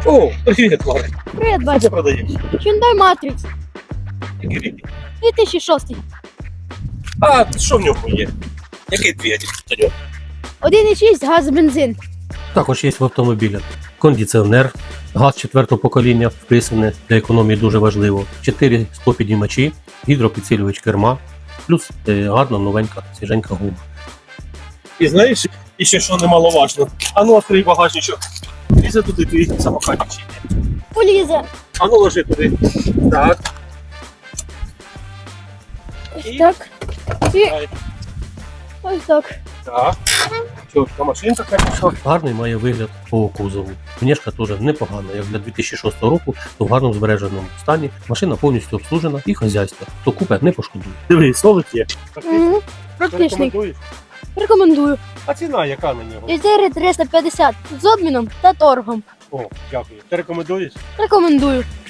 О, привіт, Марик. Привіт, Що батя. ти продаєш? Hyundai Matrix Який рік? 2006. А, що в ньому є? Який двигатель у нього? 1,6 газ бензин. Також є в автомобілі кондиціонер, газ 4-го покоління вписане, для економії дуже важливо, 4 склопідіймачі, гідропідсилювач керма, плюс гарна новенька свіженька гума. І знаєш, і ще що немаловажно. А ну, відкрий багажничок. Лізе туди твій самокатик чи ні? Полізе. А ну, ложи туди. Так. Ось І? так. І Дай. ось так. Так. Що, та машинка, конечно. Гарний має вигляд по кузову. Внешка теж непогана, як для 2006 року, то в гарному збереженому стані. Машина повністю обслужена і хазяйство. Хто купить, не пошкодує. Диви, столик є. Мгм. Практичний. Рекомендуєш? Рекомендую. А ціна яка на нього? 4350 з обміном та торгом. О, дякую. Ти рекомендуєш? Рекомендую.